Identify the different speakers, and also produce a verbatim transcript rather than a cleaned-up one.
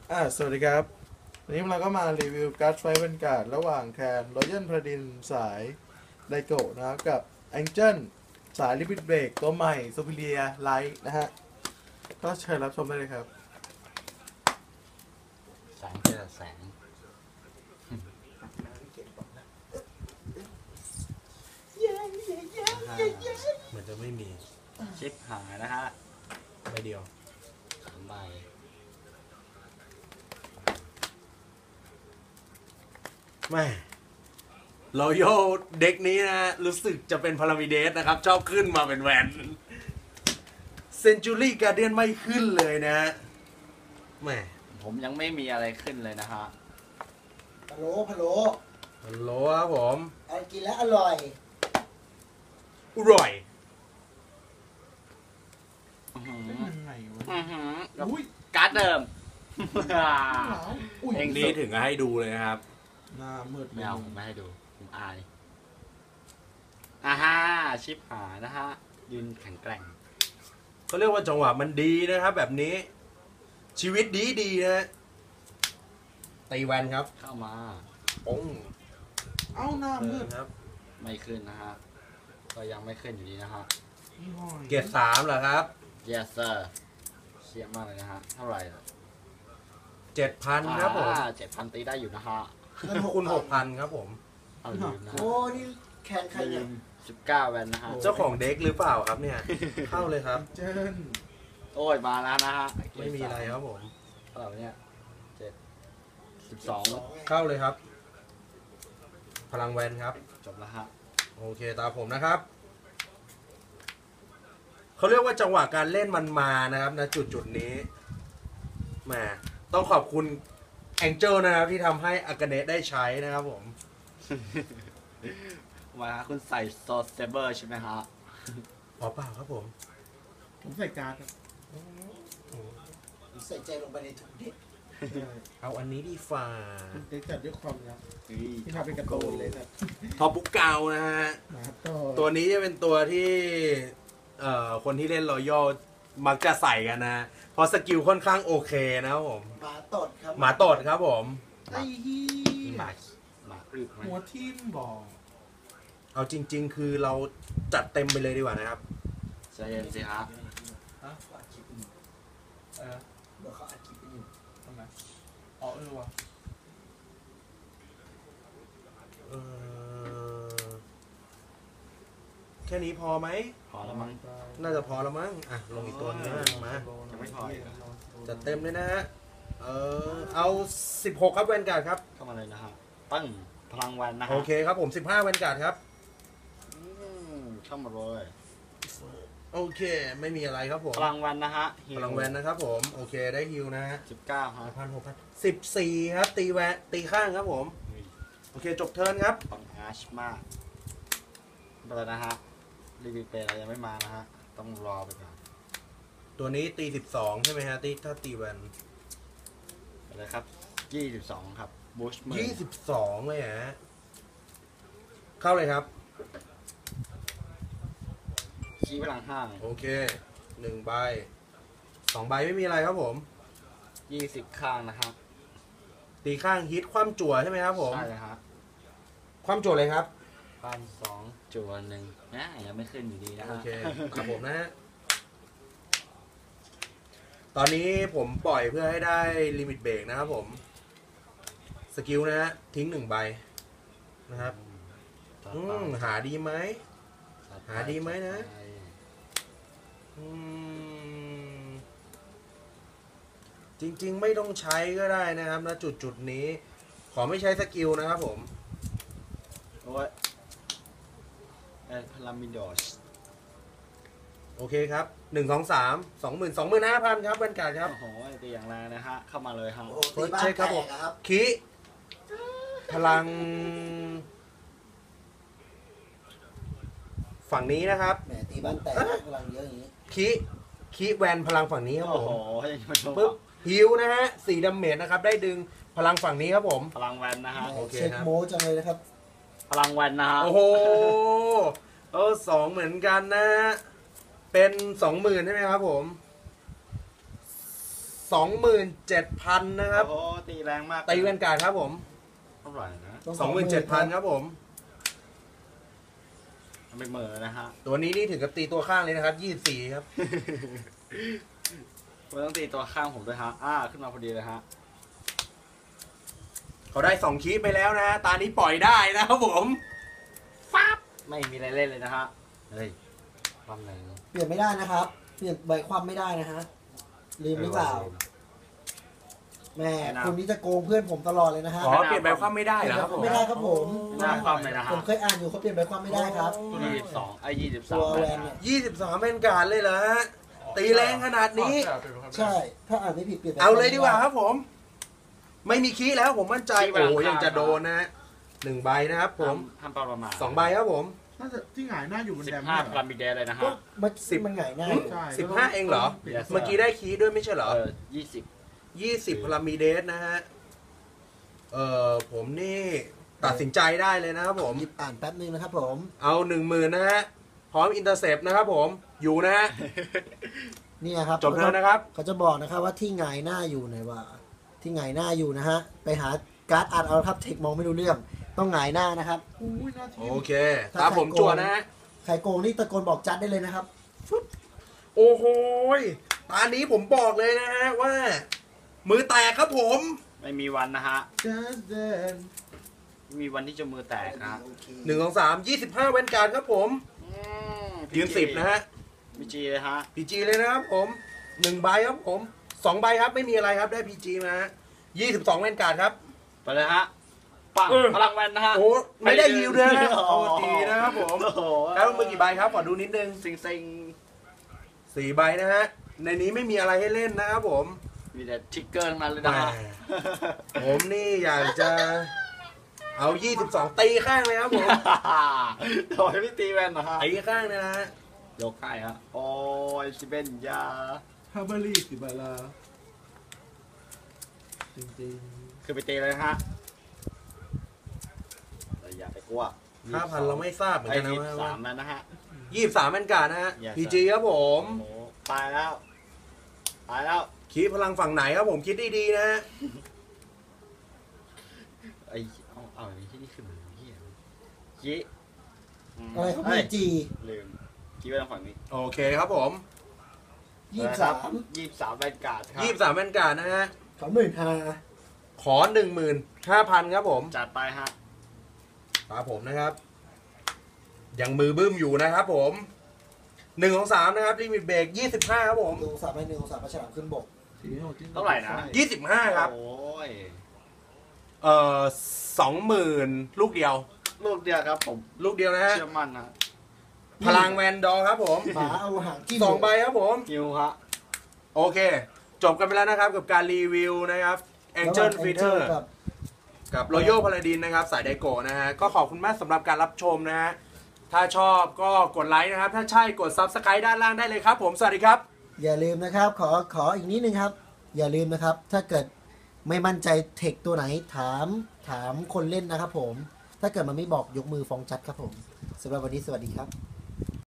Speaker 1: อ่าสวัสดีครับวันนี้เราก็มารีวิวการ์ดไฟบรรยากาศระหว่างแคนรอยัลพาดินสายไดโกะนะครับกับแองเจิลสายลิมิตเบรกตัวใหม่ซูเปอร์เรียไลท์นะฮะก็เชิญรับชมได้เลยครับ
Speaker 2: แสงเจอแสง
Speaker 3: เหมือนจะไม่มี
Speaker 2: ชิปหายนะฮะ
Speaker 3: ใบเดียว
Speaker 2: สามใบ
Speaker 3: แม่รอยัลเด็กนี้นะรู้สึกจะเป็นพารามิเดสนะครับ ชอบขึ้นมาเป็นแวนเซนจูรี่การเดียนไม่ขึ้นเลยนะแม่
Speaker 2: ผมยังไม่มีอะไรขึ้นเลยนะฮะ
Speaker 4: พะโล้พะโล้
Speaker 3: ฮัลโหลครับผม
Speaker 4: เอากินแล้วอร่อย
Speaker 3: อร่อย
Speaker 2: อื้อหือ
Speaker 1: ยังไงวะ
Speaker 2: อื้อหือ
Speaker 1: อุ้ย
Speaker 2: การ์ดเดิม
Speaker 1: อุ้ย
Speaker 2: เอง
Speaker 3: นี่ถึงให้ดูเลยนะครับ
Speaker 1: หน้ามืด
Speaker 2: ไม่เอาผมไม่ให้ดูผมอายอ่าฮ่าชิปหายนะฮะยืนแข็งแกร่ง
Speaker 3: เขาเรียกว่าจังหวะมันดีนะครับ แบบนี้ ชีวิตดีดีนะตีแวนครับ
Speaker 2: เข้ามา
Speaker 3: ป้ง
Speaker 1: เอ้าหน้ามืด
Speaker 3: ครับ
Speaker 2: ไม่ขึ้นนะฮะก็ยังไม่ขึ้นอยู่ดีนะฮะ
Speaker 1: ยี่ห้อ
Speaker 3: เกียรติสามเหรอครับ
Speaker 2: yes sir เชี่ยมากเลยนะฮะเท่าไหร่
Speaker 3: เจ็ดพันครับผม
Speaker 2: เจ็ดพันตีได้อยู่นะฮะ
Speaker 4: เงินหก
Speaker 3: คุณหกพันครับผม
Speaker 2: เอาลืมนะฮะ
Speaker 4: โอ้นี่แคนใคร
Speaker 2: ลื
Speaker 4: เนี่ย
Speaker 2: มสิบเก้าแวนนะฮะ
Speaker 3: เจ้าของเด็กหรือเปล่าครับเนี่ย เข้าเลยครับ
Speaker 1: แองเจิล
Speaker 2: โอ้ยมาแล้วนะฮะ
Speaker 3: ไม่มีอะไรครับผม
Speaker 2: เท่าไหร่วะเนี่ยเจ็ดสิบสอง
Speaker 3: เข้าเลยครับ พลังแวนครับ
Speaker 2: จบแล้วฮะ
Speaker 3: โอเคตามผมนะครับ เขาเรียกว่าจังหวะการเล่นมันมานะครับนะจุดจุดนี้แหมต้องขอบคุณแองเจิลนะครับที่ทำให้อากาเนะได้ใช้นะครับผม
Speaker 2: มาฮะคุณใส่โซเซเบอร์ใช่ไหมฮะ
Speaker 3: พอเปล่าครับผม
Speaker 1: ผมใส่การ์ดครับ
Speaker 4: ใส่ใจลงไปในทุกเด็ด
Speaker 3: เอาอันนี้ดีฝ่า
Speaker 1: เด็กจัดด้วยความรักที่ทำเป็นการ์ตูนเลยครับ
Speaker 3: ทอปุกเกานะฮะ
Speaker 1: มาต่อ
Speaker 3: ตัวนี้จะเป็นตัวที่เอ่อคนที่เล่นรอยัลมักจะใส่กันนะ เพราะสกิลค่อนข้างโอเคนะครับผม
Speaker 4: หมาตดครับ
Speaker 3: หมาตดครับผม
Speaker 1: ไอ้ฮี
Speaker 2: หมาหมาอึไหม
Speaker 1: หัวทิ่มบอก
Speaker 3: เอาจริง ๆ คือเราจัดเต็มไปเลยดีกว่านะครับ
Speaker 2: ใจเย็นสิฮะ
Speaker 1: ฮะ
Speaker 4: เขาอัดคลิปอยู่
Speaker 1: เออ
Speaker 4: เดี๋ยวเขาอัดคลิปอยู่
Speaker 1: ทำไมอ๋อเออว่ะ
Speaker 3: เอ่อแค่นี้พอไหม
Speaker 2: พอแล้วมั้ง
Speaker 3: น่าจะพอแล้วมั้ง อ่ะ ลงอีกตัวนึงนะมา
Speaker 2: ยังไม่พออีกเหรอ
Speaker 3: จัดเต็มเลยนะฮะ เออเอาสิบหกครับแวนการ์ดครับ
Speaker 2: เข้ามาเลยนะฮะตั้งพลังวันนะฮะ
Speaker 3: โอเคครับผมสิบห้าแวนการ์ดครับ
Speaker 2: อืมเข้ามาเลย
Speaker 3: โอเค ไม่มีอะไรครับผม
Speaker 2: พลังวันนะฮะ
Speaker 3: พลังแวนนะครับผม โอเคได้ฮิวนะฮะ
Speaker 2: สิบเก้าฮะ
Speaker 3: พันหกพันสิบสี่ครับ ตีแวนตีข้างครับผม โอเค จบเทิร์นครับ
Speaker 2: ปังอาชมากไปแล้วนะฮะรีวิวเปย์เรายังไม่มานะฮะต้องรอไปก่อน
Speaker 3: ตัวนี้ตีสิบสองใช่ไหมฮะตีถ้าตีแวน
Speaker 2: ไปเลยครับยี่สิบสองครับบูชมือ
Speaker 3: ยี่สิบสองเลยฮะ เข้าเลยครับ
Speaker 2: ชี้พลังห้า
Speaker 3: โอเคหนึ่งใบสองใบไม่มีอะไรครับผม
Speaker 2: ยี่สิบข้างนะฮะ
Speaker 3: ตีข้างฮิตคว่ำจั่วใช่ไหมครับผม
Speaker 2: ใช่เลยฮะ
Speaker 3: คว่ำจั่วเลยครับ
Speaker 2: พันสองจวนหนึ่งนะยังไม่ขึ้นอยู่ดีนะ
Speaker 3: โอ
Speaker 2: ฮะ
Speaker 3: เคครับผมนะฮะ ตอนนี้ผมปล่อยเพื่อให้ได้ลิมิตเบรกนะครับผม สกิลนะฮะ ทิ้งหนึ่งใบนะครับ อืมหาดีไหม หาดีไหมนะ อืม จริงๆไม่ต้องใช้ก็ได้นะครับณจุดจุดๆนี้ ขอไม่ใช้สกิลนะครับผม
Speaker 2: โอ้ยเอพลามิดอส
Speaker 3: โอเคครับหนึ่งสองสามสองหมื่นสองหมื่นห้าพันครับบรรยากาศครับ
Speaker 2: โอ้โหตีอย่างแรงนะฮะ เข้ามาเลยฮะ
Speaker 4: โอ้โหตีบ้าน
Speaker 3: ใช่
Speaker 4: แต
Speaker 3: ครับผม
Speaker 4: กอะครับ
Speaker 3: คิพลัง ฝั่งนี้นะครับ
Speaker 4: แหมตีบ้านแตกพลังเยอะอย่างนี้
Speaker 3: คิคิแวนพลังฝั่งนี้ครับ
Speaker 2: โอ้
Speaker 3: ผ
Speaker 2: โห
Speaker 3: ม
Speaker 2: ยังไม่จบ
Speaker 3: ปึ๊บฮิวนะฮะสี่ดาเมจนะครับ ได้ดึงพลังฝั่งนี้ครับผม
Speaker 2: พลังแวนนะฮะ
Speaker 3: โอเค
Speaker 4: เช็ค
Speaker 3: ครับ
Speaker 4: โมจังเลยนะครับ
Speaker 2: พลังแวนนะฮะ
Speaker 3: โอ้โหเออสองเหมือนกันนะ เป็นสองหมื่นใช่ไหมครับผมสองหมื่นเจ็ดพันนะครับ
Speaker 2: โอ้โหตีแรงมาก
Speaker 3: ตีแวนการ์ดครับผม
Speaker 2: เท่าไหร่นะ
Speaker 3: สองหมื่นเจ็ดพันครับผม
Speaker 2: มันเป็นเหมือนะฮะ
Speaker 3: ตัวนี้นี่ถึงกับตีตัวข้างเลยนะครับยี่สิบสี่ครับ
Speaker 2: มันต้องตีตัวข้างผมด้วยฮะอ่าขึ้นมาพอดีเลยฮะ
Speaker 3: เขาได้สองคีย์ไปแล้วนะตานี้ปล่อยได้นะครับผม
Speaker 2: ฟับไม่มีอะไรเล่นเลยนะฮะเฮ้ยความแรง
Speaker 4: เปลี่ยนไม่ได้นะครับ เปลี่ยนใบความไม่ได้นะฮะลืมหรือเปล่าแม่คนนี้จะโกงเพื่อนผมตลอดเลยนะฮะ
Speaker 3: อ๋อเปลี่ยนใบความไม่ได้เหรอครับผม
Speaker 4: ไม่ได้ครับผม
Speaker 2: หน้าความเลยนะฮะ
Speaker 4: ผมเคยอ่านอยู่เขาเปลี่ยนใบความไม่ได้ครับ
Speaker 2: ยี่สิบสองไอ้ยี่สิบสา
Speaker 4: ตั
Speaker 2: ม
Speaker 4: วแวนเนี่ย
Speaker 3: ยี่สิบสามแวนการ์ดเลยเหรอฮะตีแรงขนาดนี้
Speaker 4: ใช่ถ้าอ่านไม่ผิดเปลี่ยนใบ
Speaker 3: เอาเลยดีกว่าครับผม ไม่มีคีย์แล้วผมมั่นใจโอ้ยังจะโดนนะฮะหนึ่งใบนะครับผม
Speaker 2: ทำประมาณ
Speaker 3: สองใบครับผม
Speaker 1: น่าจะที่หงายหน้าอยู่บน
Speaker 2: สิ
Speaker 1: แด
Speaker 2: บ
Speaker 1: ม
Speaker 2: ห้า
Speaker 1: เนี่ย
Speaker 2: พลัมบิเดเลยนะ
Speaker 4: ก็
Speaker 2: ฮะ
Speaker 4: มัน
Speaker 3: สิ
Speaker 4: สิ
Speaker 3: บ
Speaker 4: มันหงายหน้า
Speaker 1: ใช่
Speaker 3: สิบห้าเองเหรอ
Speaker 2: Yes
Speaker 3: เมื่อกี้ได้คีย์ด้วยไม่ใช่เหรอ
Speaker 2: เออยี่สิบ
Speaker 3: ยี่สิบพลามีเดสนะฮะ เอ่อผมนี่ตัดสินใจได้เลยนะครับผม
Speaker 4: หยิบอ่านแป๊บนึงนะครับผม
Speaker 3: เอาหนึ่งหมื่นนะฮะ พร้อมอินเตอร์เซปนะครับผม อยู่นะฮะ
Speaker 4: เนี่ยครับ
Speaker 3: จบแล้วนะครับ
Speaker 4: เขาจะบอกนะครับว่าที่หงายหน้าอยู่ไหนว่า ที่หงายหน้าอยู่นะฮะไปหาการ์ดอ่านเอาครับเทคมองไม่รู้เรื่องต้องหงายหน้านะครับ
Speaker 1: อุ้ยหน้าที
Speaker 3: โอเค ตามผมจั่วนะฮะ
Speaker 4: ใครโกงนี่ตะโกนบอกจัดได้เลยนะครับ
Speaker 3: โอ้โหยตอนนี้ผมบอกเลยนะฮะว่า มือแตกครับผม
Speaker 2: ไม่มีวันนะฮะ
Speaker 1: จัสเดน
Speaker 2: ไม่มีวันที่จะมือแตกนะ
Speaker 3: หนึ่งสองสามยี่สิบห้าแวนการ์ดครับผม ยืนสิบนะฮะ
Speaker 2: พีจีเลยฮะ
Speaker 3: พีจีเลยนะครับผมหนึ่งใบครับผมสองใบครับไม่มีอะไรครับได้พีจีมายี่สิบสองแวนการ์ดครับ
Speaker 2: ไปเลยฮะปัง
Speaker 3: เออ
Speaker 2: พลังแวนนะฮะ
Speaker 3: โอ้ไม่ได้ยิวด้วยนะ
Speaker 2: โอ้
Speaker 3: โอ้
Speaker 2: โห
Speaker 3: ดีนะครับผม
Speaker 2: โอ้โห
Speaker 3: แล้วมือกี่ใบครับขอดูนิดนึง
Speaker 2: ซิงซิง
Speaker 3: สี่ใบนะฮะในนี้ไม่มีอะไรให้เล่นนะครับผม
Speaker 2: มีแต่ทิกเกอร์ทั้งนั้นเลยนะฮะ
Speaker 3: แหม ผมนี่อยากจะเอายี่สิบสองตีข้างเลยครับผม
Speaker 2: โดยไม่ตีแวนนะฮะ
Speaker 3: ตีข้างนะฮะ
Speaker 2: ยกให้ฮะโอ้ยชิเบนยา
Speaker 1: ฮาร์เบอรี่สิบาลาจริง
Speaker 2: คือไปตีเลยฮะแต่อย่าไปกลัว
Speaker 3: ห้าพันเราไม่ทราบเหมือน
Speaker 2: ไอ้
Speaker 3: กันนะ
Speaker 2: ยี่
Speaker 3: ว่า
Speaker 2: สามแล้วนะฮะ
Speaker 3: ยี่สิบสามแวนการ์ดนะฮะ
Speaker 2: Yes,
Speaker 3: พีจีครับผม
Speaker 2: โอ้โหตายแล้วตายแล้ว
Speaker 3: คีดพลังฝั่งไหนครับผมคิดดีๆนะฮะ
Speaker 2: ไอ้เอาเอาไอ้ที่นี่คือมันเหี้ยยี
Speaker 4: อะไรครับ
Speaker 2: เฮ้
Speaker 4: พี
Speaker 2: ย
Speaker 4: จี
Speaker 2: ลืมคิดไว้ทางฝั่งนี้
Speaker 3: โอเคครับผม
Speaker 4: ยี่สิบสาม
Speaker 2: ยี่สิบสามแวนการ์ดครับ
Speaker 3: ยี่สิบสามแวนการ์ดนะฮะ
Speaker 4: สองหมื่นห้า
Speaker 3: ขอหนึ่งหมื่นห้าพันครับผม
Speaker 2: จัดไปฮะ
Speaker 3: ตามผมนะครับ ยังมือบึ้มอยู่นะครับผมหนึ่งของสามนะครับลิมิตเบรกยี่สิบห้าครับผม
Speaker 4: หนึ่งองศาไปหนึ่งองศาประฉลามขึ้นบก
Speaker 1: ๆสีโหดที่
Speaker 2: เท่าไหร่นะ
Speaker 3: ยี่สิบห้าครับ
Speaker 2: โอ้ย
Speaker 3: เอ่อสองหมื่นลูกเดียว
Speaker 2: ลูกเดียวครับผม
Speaker 3: ลูกเดียวนะฮะ
Speaker 2: เชื่อมั่นนะ
Speaker 3: พลังแวนดอร์ครับผม
Speaker 4: หมาเอาหางจิ้ม
Speaker 3: สองใบครับผม
Speaker 2: ฮิวฮะ
Speaker 3: โอเค จบกันไปแล้วนะครับกับการรีวิวนะครับ Angel Feeder
Speaker 4: กับ
Speaker 3: กับ Royal Paladin นะครับสายไดโกะนะฮะก็ขอบคุณมากสำหรับการรับชมนะฮะถ้าชอบก็กดไลค์นะครับ ถ้าใช่กด Subscribe ด้านล่างได้เลยครับผมสวัสดีครับ
Speaker 4: อย่าลืมนะครับ ขอขออีกนิดนึงครับ อย่าลืมนะครับ ถ้าเกิดไม่มั่นใจเทคตัวไหนถามถามคนเล่นนะครับผม ถ้าเกิดมันไม่บอกยกมือฟ้องจัดครับผมสำหรับวันนี้สวัสดีครับ